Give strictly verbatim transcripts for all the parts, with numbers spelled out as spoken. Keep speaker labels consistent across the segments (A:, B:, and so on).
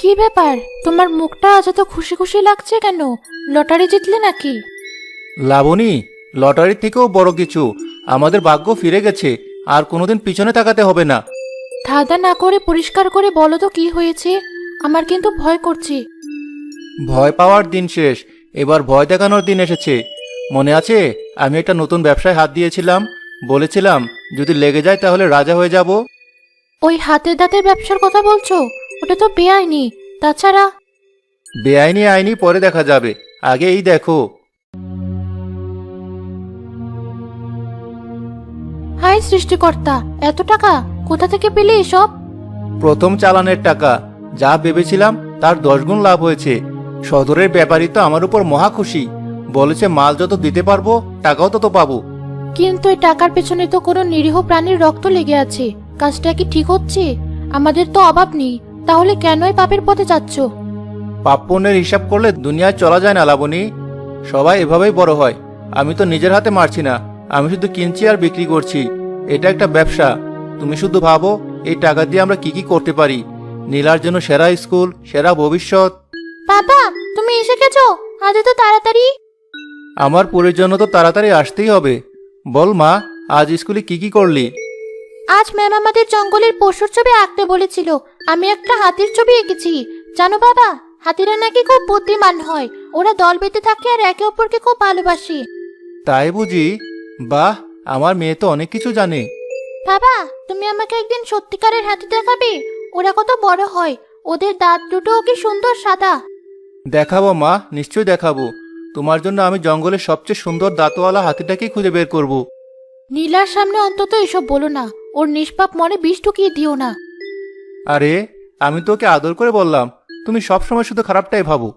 A: কি ব্যাপার, তোমার মুখটা আজ এত খুশি খুশি লাগছে কেন? লটারি জিতলে নাকি?
B: লাবণী, লটারির থেকেও বড় কিছু, আমাদের ভাগ্য ফিরে গেছে। আর কোনোদিন পিছনে তাকাতে হবে না।
A: ধাঁধা না করে পরিষ্কার করে বলো তো কি হয়েছে। আমার কিন্তু ভয় করছে।
B: ভয় পাওয়ার দিন শেষ, এবার ভয় দেখানোর দিন এসেছে। মনে আছে আমি একটা নতুন ব্যবসায় হাত দিয়েছিলাম, বলেছিলাম যদি লেগে যায় তাহলে রাজা হয়ে যাব।
A: ওই হাতের দাঁতের ব্যবসার কথা বলছো? ওটা তো বেআইনি। তাছাড়া
B: বেআইনি আইনি পরে দেখা যাবে, আগে এই দেখো।
A: হাই সৃষ্টিকর্তা, এত টাকা কোথা থেকে পেলে এসব?
B: প্রথম চালানের টাকা, যা ভেবেছিলাম তার দশ গুণ লাভ হয়েছে। সদরের ব্যাপারী তো আমার উপর মহা খুশি, বলেছে মাল যত দিতে পারবো টাকাও তত পাবো।
A: কিন্তু এই টাকার পেছনে তো কোনো নিরীহ প্রাণীর রক্ত লেগে আছে। কাজটা কি ঠিক হচ্ছে? আমাদের তো অভাব নেই, তাহলে কেনই পাপের পথে যাচ্ছ?
B: পাপ পুণ্যের হিসাব করলে দুনিয়ায় চলা যায় না লাবণী। সবাই এভাবেই বড় হয়। আমি তো নিজের হাতে মারছি না, আমি শুধু কিনছি আর বিক্রি করছি। এটা একটা ব্যবসা। তুমি শুধু ভাবো এই টাকা দিয়ে আমরা কি কি করতে পারি। নীলার জন্য সেরা স্কুল, সেরা ভবিষ্যৎ।
A: বাবা, তুমি এসে গেছো? আজ তো তাড়াতাড়ি।
B: আমার পুরের জন্য তো তাড়াতাড়ি আসতেই হবে। বল মা, আজ স্কুলে কি কি করলি?
A: আজ ম্যাম আমাদের জঙ্গলের পশুর ছবি আঁকতে বলেছিল। আমি একটা হাতির ছবি এঁকেছি। জানো বাবা, হাতিরা নাকি খুব বুদ্ধিমান হয়। ওরা দল বেঁধে থাকে আর একে অপরকে খুব ভালোবাসে।
B: তাই বুঝি? বাহ, আমার মেয়ে তো অনেক কিছু জানে।
A: বাবা, তুমি আমাকে একদিন সত্যিকারের হাতি দেখাবে? ওরা কত বড় হয়, ওদের দাঁত দুটোও কি সুন্দর সাদা।
B: দেখাবো মা, নিশ্চয়ই দেখাবো। তোমার জন্য আমি জঙ্গলের সবচেয়ে সুন্দর দাঁতওয়ালা হাতিটাকেই খুঁজে বের করব।
A: নীলার সামনে অন্তত এসব বলো না। ওর নিষ্পাপ মনে বিষ ঢুকিয়ে দিও না।
B: আরে, আমি তোকে আদর করে বললাম, তুমি সবসময় শুধু খারাপটাই ভাবো।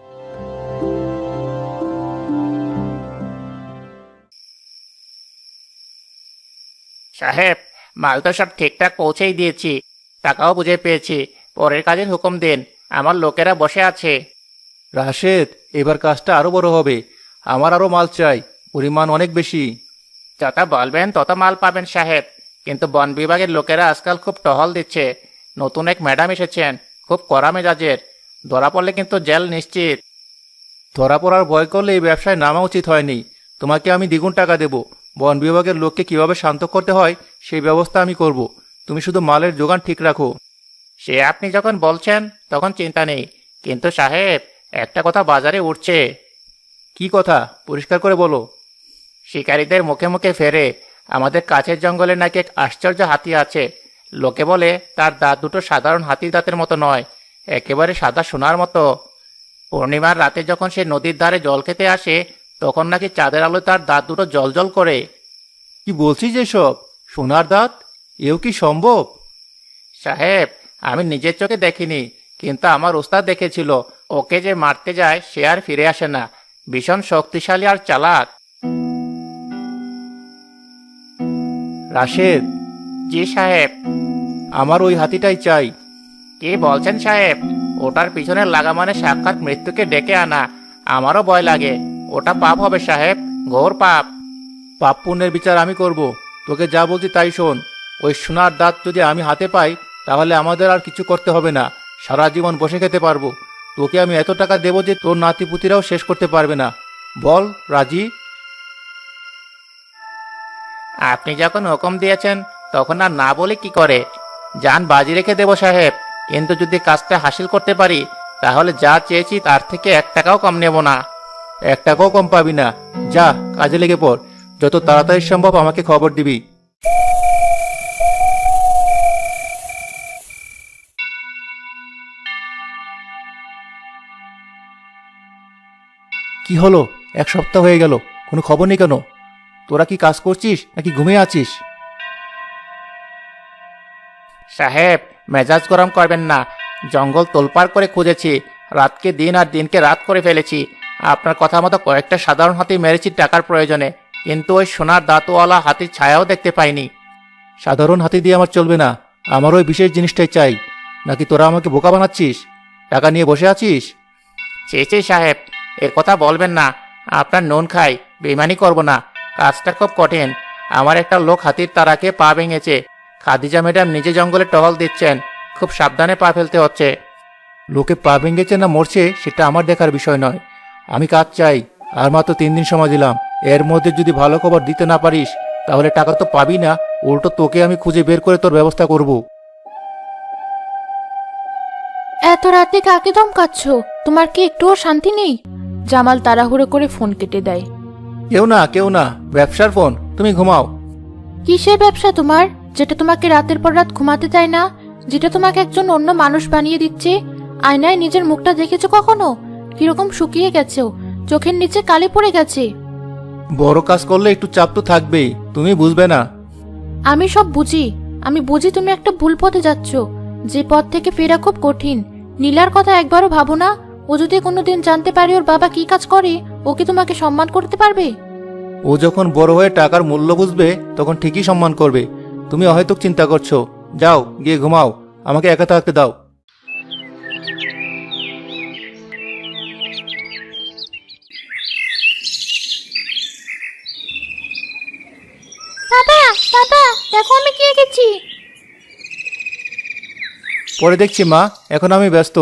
C: সাহেব, মাল তো সব ঠিকঠাক পৌঁছেই দিয়েছি, টাকাও বুঝে পেয়েছি। পরের কাজের হুকুম দিন, আমার লোকেরা বসে আছে।
B: রাশেদ, এবার কাজটা আরো বড় হবে। আমার আরো মাল চাই, পরিমাণ অনেক বেশি।
C: যত বলবেন তত মাল পাবেন সাহেব, কিন্তু বন বিভাগের লোকেরা আজকাল খুব টহল দিচ্ছে। নতুন এক ম্যাডাম এসেছেন, খুব কড়া মেজাজের। ধরা পড়লে কিন্তু জেল নিশ্চিত।
B: ধরা পড়ার ভয় করলে এই ব্যবসায় নামা উচিত হয়নি। তোমাকে আমি দ্বিগুণ টাকা দেব। বন বিভাগের লোককে কিভাবে শান্ত করতে হয় সেই ব্যবস্থা আমি করব। তুমি শুধু মালের যোগান ঠিক রাখো।
C: সে আপনি যখন বলছেন তখন চিন্তা নেই, কিন্তু সাহেব, একটা কথা বাজারে উঠছে।
B: কি কথা? পরিষ্কার করে বলো।
C: শিকারীদের মুখে মুখে ফেরে আমাদের কাছের জঙ্গলে নাকি এক আশ্চর্য হাতি আছে। লোকে বলে তার দাঁত দুটো সাধারণ হাতির দাঁতের মতো নয়, একেবারে সাদা সোনার মতো। পূর্ণিমার রাতে যখন সে নদীর ধারে জল খেতে আসে, তখন নাকি চাঁদের আলোয় তার দাঁত দুটো জ্বলজ্বল করে।
B: কি বলছিস এসব? সোনার দাঁত? এও কি সম্ভব?
C: সাহেব, আমি নিজের চোখে দেখিনি, কিন্তু আমার ওস্তাদ দেখেছিল। ওকে যে মারতে যায় সে আর ফিরে আসে না। ভীষণ শক্তিশালী আর চালাক।
B: রাশেদ,
C: জি সাহেব।
B: আমার ওই হাতিটাই চাই।
C: কি বলছেন সাহেব? ওটার পিছনে লাগা মানে সাক্ষাৎ মৃত্যুকে ডেকে আনা। আমারও ভয় লাগে। ওটা পাপ হবে সাহেব, ঘোর পাপ।
B: পাপ পুণ্যের বিচার আমি করব। তোকে যা বলছি তাই শোন। ওই সোনার দাঁত যদি আমি হাতে পাই, তাহলে আমাদের আর কিছু করতে হবে না, সারা জীবন বসে খেতে পারবো। তোকে আমি এত টাকা দেবো যে তোর নাতিপুতিরাও শেষ করতে পারবে না। বল, রাজি?
C: আপনি যখন হুকুম দিয়েছেন তখন আর না বলে কি করে? জান বাজি রেখে দেব সাহেব, কিন্তু যদি কাজটা হাসিল করতে পারি তাহলে যা চেয়েছি তার থেকে এক টাকাও কম নেব না।
B: এক টাকাও কম পাবি না। যা, কাজে লেগে পড়। যত তাড়াতাড়ি সম্ভব আমাকে খবর দিবি। কি হলো? এক সপ্তাহ হয়ে গেল, কোনো খবর নেই কেন? তোরা কি কাজ করছিস নাকি ঘুমিয়ে আছিস?
C: সাহেব, মেজাজ গরম করবেন না। জঙ্গল তোলপাড় করে খুঁজেছি, রাতকে দিন আর দিনকে রাত করে ফেলেছি। আপনার কথা মতো কয়েকটা সাধারণ হাতি মেরেছি টাকার প্রয়োজনে, কিন্তু ওই সোনার দাঁতওয়ালা হাতির ছায়াও দেখতে পাইনি।
B: সাধারণ হাতি দিয়ে আমার চলবে না, আমার ওই বিশেষ জিনিসটাই চাই। নাকি তোরা আমাকে বোকা বানাচ্ছিস? টাকা নিয়ে বসে আছিস?
C: ছি ছি সাহেব, এর কথা বলবেন না। আপনার নুন খাই, বেইমানি করব না। কাজটা খুব কঠিন। আমার একটা লোক হাতির তারাকে পা ভেঙেছে। খাদিজা ম্যাডাম নিজে জঙ্গলে টহল দিচ্ছেন, খুব সাবধানে পা ফেলতে হচ্ছে।
B: লোকে পা ভেঙেছে না মরছে সেটা আমার দেখার বিষয় নয়। আমি কাজ চাই, আর মাত্র তিন দিন সময় দিলাম। এর মধ্যে যদি ভালো খবর দিতে না পারিস তাহলে টাকা তো পাবি না, উল্টো তোকে আমি খুঁজে বের করে তোর ব্যবস্থা করব।
A: এত রাতে কাকে ধমকাচ্ছ? তোমার কি একটুও শান্তি নেই? জামাল তাড়াহুড়ো করে ফোন কেটে দেয়।
B: কেউ না কেউ না, ব্যবসার ফোন, তুমি ঘুমাও।
A: কিসের ব্যবসা তোমার, যেটা তোমাকে রাতের পর রাত ঘুমাতে দেয় না, যেটা তোমাকে একজন অন্য মানুষ বানিয়ে দিচ্ছে? আয়নায় নিজের মুখটা দেখেছো কখনো? কিরকম শুকিয়ে গেছো, চোখের নিচে কালি পড়ে গেছে।
B: বড় কাজ করলে একটু চাপ তো থাকবেই, তুমি বুঝবে না?
A: আমি সব বুঝি, আমি বুঝি তুমি একটা ভুল পথে যাচ্ছ, যে পথ থেকে ফেরা খুব কঠিন। নীলার কথা একবারও ভাবো না? ও যদি কোনোদিন জানতে পারে ওর বাবা কি কাজ করে, ও কি তোমাকে সম্মান করতে পারবে?
B: ও যখন বড় হয়ে টাকার মূল্য বুঝবে তখন ঠিকই সম্মান করবে। তুমি অহেতুক চিন্তা করছো, যাও গিয়ে ঘুমাও, আমাকে একা থাকতে দাও।
A: বাবা, বাবা, দেখো আমি কি এঁকেছি।
B: পরে দেখছি মা, এখন আমি ব্যস্ত।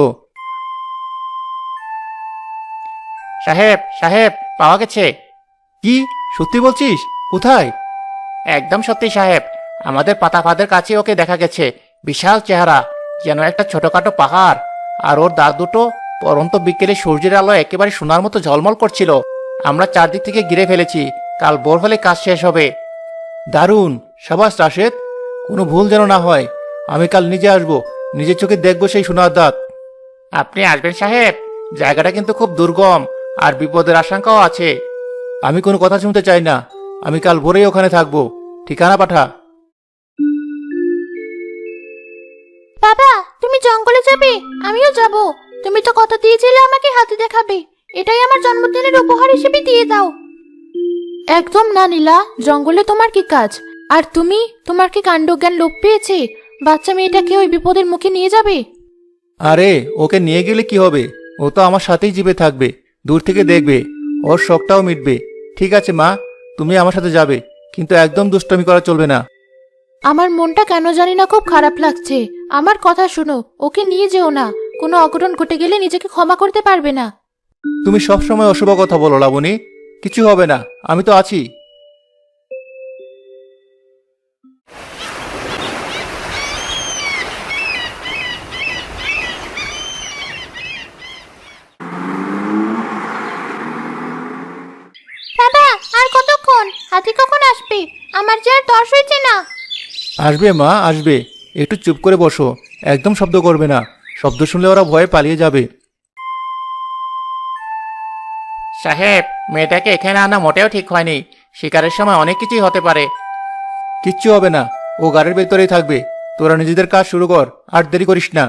C: সাহেব সাহেব, পাওয়া গেছে।
B: কি সত্যি বলছিস? কোথায়?
C: একদম সত্যি সাহেব, আমাদের পাতা ফাঁদের কাছে ওকে দেখা গেছে। বিশাল চেহারা, যেন একটা ছোটখাটো পাহাড়। আর ওর দাঁত দুটো পরন্ত বিকেলে সূর্যের আলো একেবারে সোনার মতো ঝলমল করছিল। আমরা চারদিক থেকে ঘিরে ফেলেছি, কাল ভোর হলে কাজ শেষ হবে।
B: দারুণ, সাবাস রাশেদ, কোনো ভুল যেন না হয়। আমি কাল নিজে আসবো, নিজের চোখে দেখবো সেই সোনার দাঁত।
C: আপনি আসবেন সাহেব? জায়গাটা কিন্তু খুব দুর্গম, আর বিপদের আশঙ্কাও আছে।
B: আমি কোনো কথা শুনতে চাই না, আমি কাল ভোরেই ওখানে থাকবো। ঠিকানা পাঠা।
A: বাবা, তুমি জঙ্গলে যাবে? আমিও যাব। তুমি তো কথা দিয়েছিলে আমাকে হাতে দেখাবে, এটাই আমার জন্মদিনের উপহার হিসেবে দিয়ে দাও। একদম না নীলা, জঙ্গলে তোমার কি কাজ? আর তুমি, তোমার কি কাণ্ডজ্ঞান লোপ পেয়েছে? বাচ্চা মেয়েটাকে ওই বিপদের মুখে নিয়ে যাবে?
B: আরে ওকে নিয়ে গেলে কি হবে, ও তো আমার সাথেই জিবে থাকবে, দূর থেকে দেখবে, ওর শখটাও মিটবে। ঠিক আছে মা, তুমি আমার সাথে যাবে, কিন্তু একদম দুষ্টমি করা চলবে না।
A: আমার মনটা কেন জানি না খুব খারাপ লাগছে। আমার কথা শোনো, ওকে নিয়ে যেও না। কোনো অঘটন ঘটে গেলে নিজেকে ক্ষমা করতে পারবে না।
B: তুমি সবসময় অশুভ কথা বলো লাবণী, কিছু হবে না, আমি তো আছি।
A: বাবা, আর কতক্ষণ? হাতি কখন আসবে? আমার যে আর তর সইছে না।
B: আসবে মা, আসবে। একটু চুপ করে বসো, একদম শব্দ করবে না, শব্দ শুনলে ওরা ভয়ে পালিয়ে যাবে।
C: সাহেব, মেয়েটাকে এখানে আনা মোটেও ঠিক হয়নি। শিকারের সময় অনেক কিছুই হতে পারে।
B: কিচ্ছু হবে না, ও গাড়ির ভেতরেই থাকবে। তোরা নিজেদের কাজ শুরু কর, আর দেরি করিস না।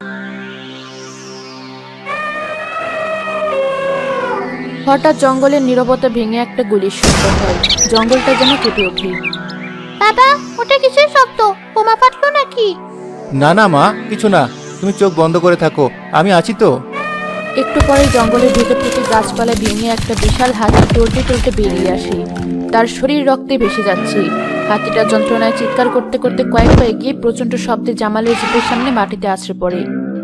A: হঠাৎ জঙ্গলের নীরবতা ভেঙে একটা গুলির শব্দ হয়। জঙ্গলটা যেন কেঁপে ওঠে। বাবা, ওটা কিসের শব্দ? বোমা ফাটলো নাকি?
B: না না মা, কিছু না, তুমি চোখ বন্ধ করে থাকো, আমি আছি তো।
A: একটু পরে জঙ্গলের ভেতর থেকে গাছপালা ভেঙে একটা বিশাল হাতি টলতে টলতে বেরিয়ে আসে। তার শরীর রক্তে ভেসে যাচ্ছে। হাতিটা যন্ত্রণায় চিৎকার করতে করতে কয়েক পা এগিয়ে প্রচন্ড শব্দে জামালের জিপের সামনে মাটিতে আছড়ে পড়ে।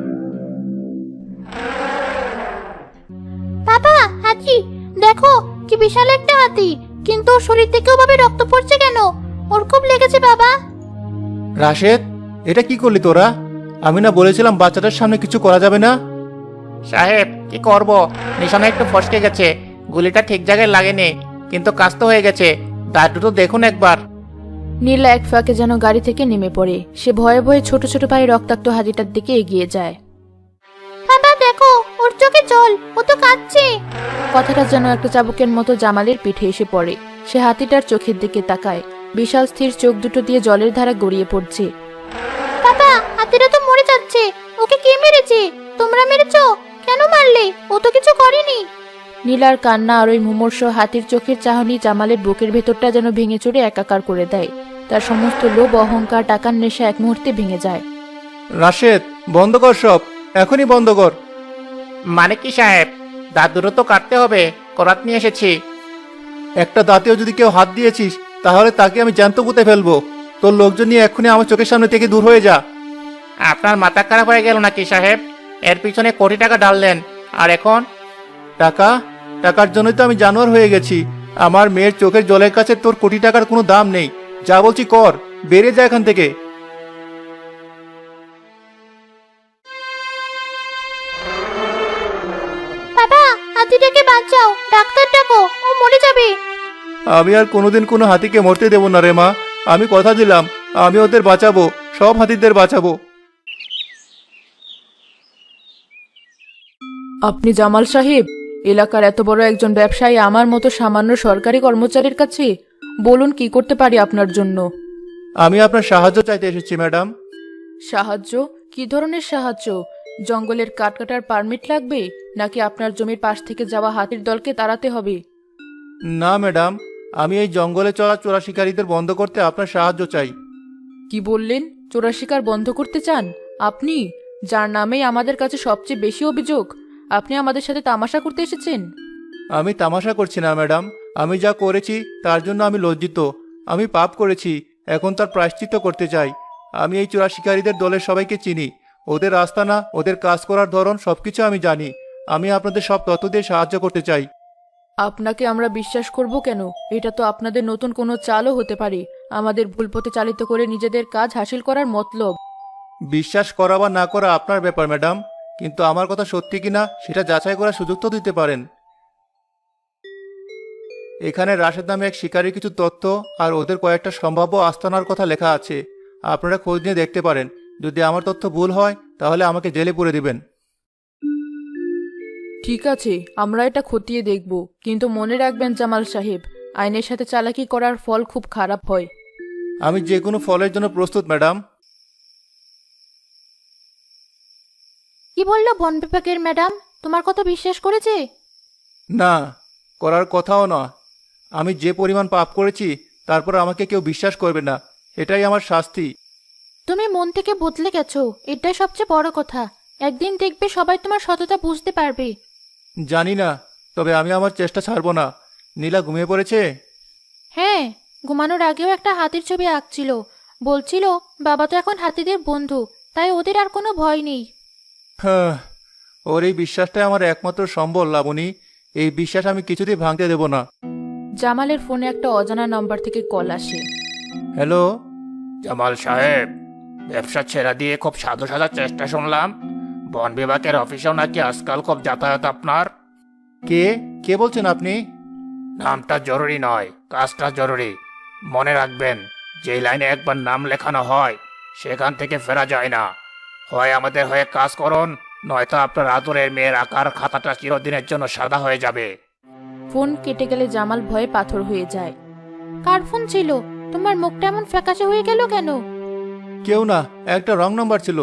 A: বাবা, হাতি দেখো, কি বিশাল একটা হাতি, কিন্তু ওর শরীর থেকে ওভাবে রক্ত পড়ছে কেন? ওর খুব লেগেছে বাবা।
B: রাশেদ, এটা কি করলি তোরা? আমি না বলেছিলাম বাচ্চাটার সামনে কিছু করা যাবে না?
C: সাহেব, কি করব, নিশানা একটু ফসকে গেছে। গুলিটা ঠিক জায়গায় লাগেনি, কিন্তু কাজ তো হয়ে গেছে। দাঁত দুটো দেখুন একবার।
A: নীলা এক ফাঁকে যেন গাড়ি থেকে নেমে পড়ে। সে ভয়ে ভয়ে ছোট ছোট পায়ে রক্তাক্ত হাতিটার দিকে এগিয়ে যায়। বাবা দেখো, ওর চোখে জল, ও তো কাঁদছে। কথাটা যেন একটা চাবুকের মতো জামালের পিঠে এসে পড়ে। সে হাতিটার চোখের দিকে তাকায়। বিশাল স্থির চোখ দুটো দিয়ে জলের ধারা গড়িয়ে পড়ছে। বাবা, হাতিটা তো মরে যাচ্ছে। ওকে কে মেরেছে? তোমরা মেরেছো? কেন মারলে? ও তো কিছু করেনি। নীলার কান্না আর ওই মুমূর্ষ হাতির চোখের চাহনি জামালের বুকের ভেতরটা যেন ভেঙে চুরে একাকার করে দেয়। তার সমস্ত লোভ, অহংকার, টাকার নেশা এক মুহূর্তে ভেঙে যায়।
B: রাশেদ, বন্ধ কর সব, এখনই বন্ধ কর।
C: মানে কি সাহেব? দাঁত দুটো তো কাটতে হবে, করাত নিয়ে এসেছি।
B: একটা দাঁতেও যদি কেউ হাত দিয়েছিস তাহলে তাকে আমি জ্যান্ত পুঁতে ফেলবো। তোর লোকজন নিয়ে এক্ষুনি আমার চোখের সামনে থেকে দূর হয়ে যা।
C: আপনার মাথা খারাপ হয়ে গেল নাকি সাহেব? এর পিছনে কোটি টাকা ঢাললেন, আর এখন
B: টাকা টাকার জন্যই তো আমি জানোয়ার হয়ে গেছি। আমার মেয়ের চোখের জলের কাছে তোর কোটি টাকার কোনো দাম নেই। যা বলছি কর, বেরিয়ে যা এখান থেকে।
A: বাবা, হাতিটাকে বাঁচাও, ডাক্তার ডাকো, ও মরে যাবে।
B: আমি আর কোনোদিন কোনো হাতিকে মরতে দেব না রে মা। আমি কথা দিলাম, আমি ওদের বাঁচাবো, সব হাতিদের বাঁচাবো।
A: আপনি জামাল সাহেব, এলাকার এত বড় একজন ব্যবসায়ী আমার মতো সামান্য সরকারি কর্মচারীর কাছে? বলুন কি করতে পারি আপনার জন্য।
B: আমি আপনার সাহায্য চাইতে এসেছি ম্যাডাম।
A: সাহায্য? কি ধরনের সাহায্য? জঙ্গলের কাঠ কাটার পারমিট লাগবে, নাকি আপনার জমির পাশ থেকে যাওয়া হাতির দলকে তাড়াতে হবে?
B: না ম্যাডাম, আমি এই জঙ্গলে চলা চোরা শিকারীদের বন্ধ করতে আপনার সাহায্য চাই।
A: কি বললেন? চোরা শিকার বন্ধ করতে চান আপনি, যার নামেই আমাদের কাছে সবচেয়ে বেশি অভিযোগ? আপনি আমাদের সাথে তামাশা করতে এসেছেন?
B: আমি তামাশা করছি না ম্যাডাম, আমি যা করেছি তার জন্য আমি লজ্জিত। আমি পাপ করেছি, এখন তার প্রায়শ্চিত্ত করতে চাই। আমি এই চোরা শিকারীদের দলের সবাইকে চিনি, ওদের আস্তানা, ওদের কাজ করার ধরন সবকিছু আমি জানি। আমি আপনাদের সব তথ্য দিয়ে সাহায্য করতে চাই।
A: আপনাকে আমরা বিশ্বাস করব কেন? এটা তো আপনাদের নতুন কোনো চালও হতে পারে, আমাদের ভুল পথে চালিত করে নিজেদের কাজ হাসিল করার মতলব।
B: বিশ্বাস করা বা না করা আপনার ব্যাপার ম্যাডাম, কিন্তু আমার কথা সত্যি কিনা সেটা যাচাই করার সুযোগ তো দিতে পারেন। এখানে রাশেদ নামে এক শিকারীর কিছু তথ্য আর ওদের কয়েকটা সম্ভাব্য আস্তানার কথা লেখা আছে। আপনারা খোঁজ নিয়ে দেখতে পারেন। যদি আমার তথ্য ভুল হয় তাহলে আমাকে জেলে পুরে দিবেন।
A: ঠিক আছে, আমরা এটা খতিয়ে দেখব, কিন্তু মনে রাখবেন জামাল সাহেব, আইনের সাথে চালাকি করার ফল খুব খারাপ হয়।
B: আমি যে কোনো ফলের জন্য প্রস্তুত ম্যাডাম।
A: কি বললো বন বিভাগের ম্যাডাম? তোমার কথা বিশ্বাস করেছে?
B: না, করার কথাও না। আমি যে পরিমাণ পাপ করেছি তারপর আমাকে কেউ বিশ্বাস করবে না, এটাই আমার শাস্তি।
A: তুমি মন থেকে বদলে গেছো, এটাই সবচেয়ে বড় কথা। একদিন দেখবে সবাই তোমার সততা বুঝতে পারবে।
B: জানি না, তবে আমি আমার চেষ্টা ছাড়বো না। নীলা ঘুমিয়ে পড়েছে?
A: হ্যাঁ, ঘুমানোর আগেও একটা হাতির ছবি আঁকছিল। বলছিল বাবা তো এখন হাতিদের বন্ধু, তাই ওদের আর কোনো ভয় নেই।
B: হ্যাঁ, ওর এই বিশ্বাসটাই আমার একমাত্র সম্বল লাবণী। এই বিশ্বাস আমি কিছুতেই ভাঙতে দেব না।
A: জামালের ফোনে একটা অজানা নাম্বার থেকে কল আসে।
B: হ্যালো।
C: জামাল সাহেব, ব্যবসা ছেড়ে দিয়ে খুব সাধু সাজার চেষ্টা শুনলাম। বন বিভাগের অফিসেও নাকি আজকাল খুব যাতায়াত আপনার।
B: কে কে বলছেন আপনি?
C: নামটা জরুরি নয়, কাজটা জরুরি। মনে রাখবেন, যে লাইনে একবার নাম লেখানো হয় সেখান থেকে ফেরা যায় না। হয় আমাদের হয়ে কাজ করুন, নয়তো আপনার আদরের মেয়ের আকার খাতাটা চিরদিনের জন্য সাদা হয়ে যাবে।
A: ফোন কেটে গেলে জামাল ভয়ে পাথর হয়ে যায়। কার ফোন ছিল? তোমার মুখটা এমন ফ্যাকাশে হয়ে গেল কেন?
B: কেউ না, একটা রং নাম্বার ছিল।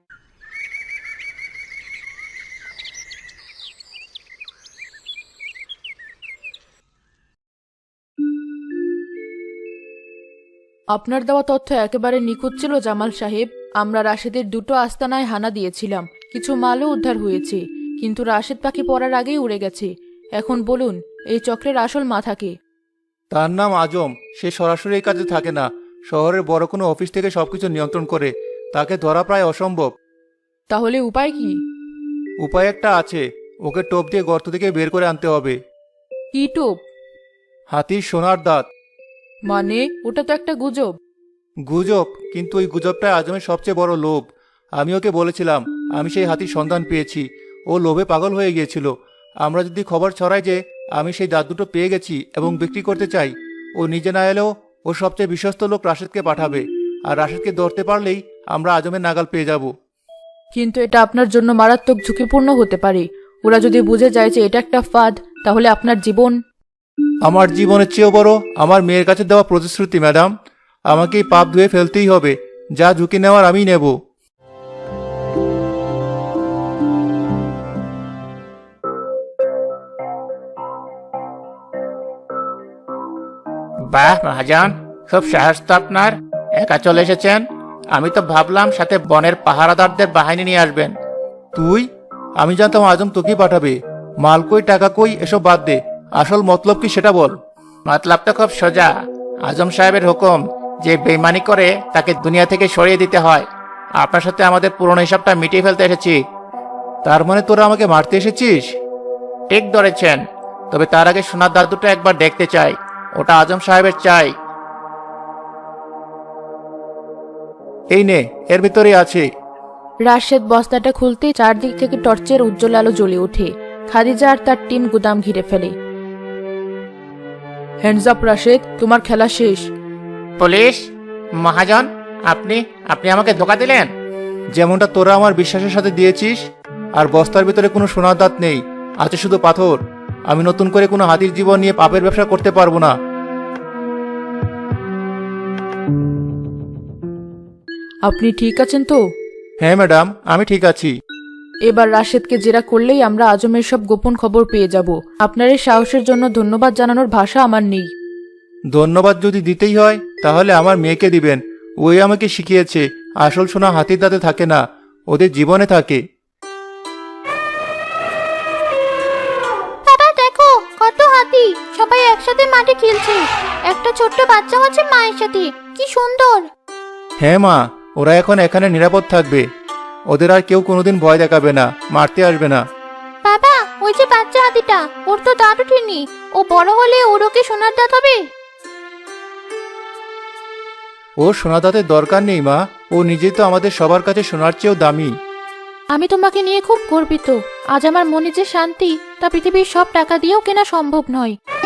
A: আপনার দেওয়া তথ্য একেবারে নিখুঁত ছিল জামাল সাহেব। আমরা রাশেদের দুটো আস্তানায় হানা দিয়েছিলাম, কিছু মালও উদ্ধার হয়েছে, কিন্তু রাশেদ পাখি পড়ার আগেই উড়ে গেছে। এখন বলুন, এই চক্রের আসল মাথা কে?
B: তার নাম আজম। সে সরাসরি এই কাজে থাকে না, শহরের বড় কোনো অফিস থেকে সবকিছু নিয়ন্ত্রণ করে। তাকে ধরা প্রায় অসম্ভব।
A: তাহলে উপায় কি?
B: উপায় একটা আছে, ওকে টোপ দিয়ে গর্ত থেকে বের করে আনতে হবে।
A: কি টোপ?
B: হাতির সোনার দাঁত।
A: মানে ওটা তো একটা গুজব।
B: গুজব, কিন্তু ওই গুজবটাই আজমের সবচেয়ে বড় লোভ। আমি ওকে বলেছিলাম আমি সেই হাতির সন্ধান পেয়েছি, ও লোভে পাগল হয়ে গিয়েছিল। আমরা যদি খবর ছড়াই যে আমি সেই দাঁত দুটো পেয়ে গেছি এবং বিক্রি করতে চাই, ও নিজে না এলেও ওর সবচেয়ে বিশ্বস্ত লোক রাশেদকে পাঠাবে, আর রাশেদকে ধরতে পারলেই আমরা আজমের নাগাল পেয়ে যাব।
A: কিন্তু এটা আপনার জন্য মারাত্মক ঝুঁকিপূর্ণ হতে পারে। ওরা যদি বুঝে যায় যে এটা একটা ফাঁদ, তাহলে আপনার জীবন।
B: আমার জীবনের চেয়েও বড় আমার মেয়ের কাছে দেওয়া প্রতিশ্রুতি ম্যাডাম। আমাকে এই পাপ ধুয়ে ফেলতেই হবে, যা ঝুঁকি নেওয়ার আমিই নেব।
C: বাহ মহাজন, খুব সাহস তো আপনার। একা চলে এসেছেন? আমি তো ভাবলাম সাথে বনের পাহারাদারদের বাহিনী নিয়ে আসবেন।
B: তুই? আমি জানতাম আজম তোকেই পাঠাবে। মাল কই, টাকা কই, এসব বাদ দে। আসল মতলব কি সেটা বল।
C: মতলব তো খুব সোজা। আজম সাহেবের হুকুম, যে বেইমানি করে তাকে দুনিয়া থেকে সরিয়ে দিতে হয়। আপনার সাথে আমাদের পুরনো হিসাবটা মিটিয়ে ফেলতে এসেছি।
B: তার মানে তোরা আমাকে মারতে এসেছিস?
C: ঠিক ধরেছেন, তবে তার আগে সোনার দাঁত দুটো একবার দেখতে চাই। ওটা আজম সাহেবের চাই।
B: এই নে, এর ভিতরে আছে।
A: রাশেদ বস্তাটা খুলতেই চারদিক থেকে টর্চের উজ্জ্বল আলো জ্বলে ওঠে। খাদিজা আর তার টিম গুদাম ঘিরে ফেলে। হ্যান্ডস আপ রাশেদ, তোমার খেলা শেষ।
C: পুলিশ মহাজন, আপনি আপনি আমাকে ধোকা দিলেন।
B: যেমনটা তোরা আমার বিশ্বাসের সাথে দিয়েছিস। আর বস্তার ভিতরে কোনো সোনার দাঁত নেই, আছে শুধু পাথর। আমি নতুন করে কোনো হাতির জীবন নিয়ে পাপের ব্যবসা করতে পারবো না।
A: আপনি ঠিক আছেন তো?
B: হ্যাঁ ম্যাডাম, আমি ঠিক আছি।
A: এবার রাশেদকে জেরা করলেই আমরা আজমের সব গোপন খবর পেয়ে যাব। আপনার এই সাহসের জন্য ধন্যবাদ জানানোর ভাষা আমার নেই।
B: ধন্যবাদ যদি দিতেই হয় তাহলে আমার মেয়েকে দিবেন। ওই আমাকে শিখিয়েছে আসল সোনা হাতির দাঁতে থাকে না, ওদের জীবনে থাকে।
A: বাবা দেখো, কত হাতি সবাই একসাথে মাঠে খেলছে। একটা ছোট্ট বাচ্চা আছে মায়ের সাথে, কি সুন্দর।
B: হ্যাঁ মা, ওরা এখন এখানে নিরাপদ থাকবে। ওদের আর কেউ কোনোদিন ভয় দেখাবে না, মারতে আসবে না।
A: বাবা, ওই যে বাচ্চা হাতিটা, ওর তো দাঁত ওঠেনি। ও বড় হলে ওর ওকে সোনার দাঁত হবে?
B: ও সোনা দাঁতের দরকার নেই মা, ও নিজেই তো আমাদের সবার কাছে সোনার চেয়েও দামি।
A: আমি তোমাকে নিয়ে খুব গর্বিত। আজ আমার মনে যে শান্তি, তা পৃথিবীর সব টাকা দিয়েও কেনা সম্ভব নয়।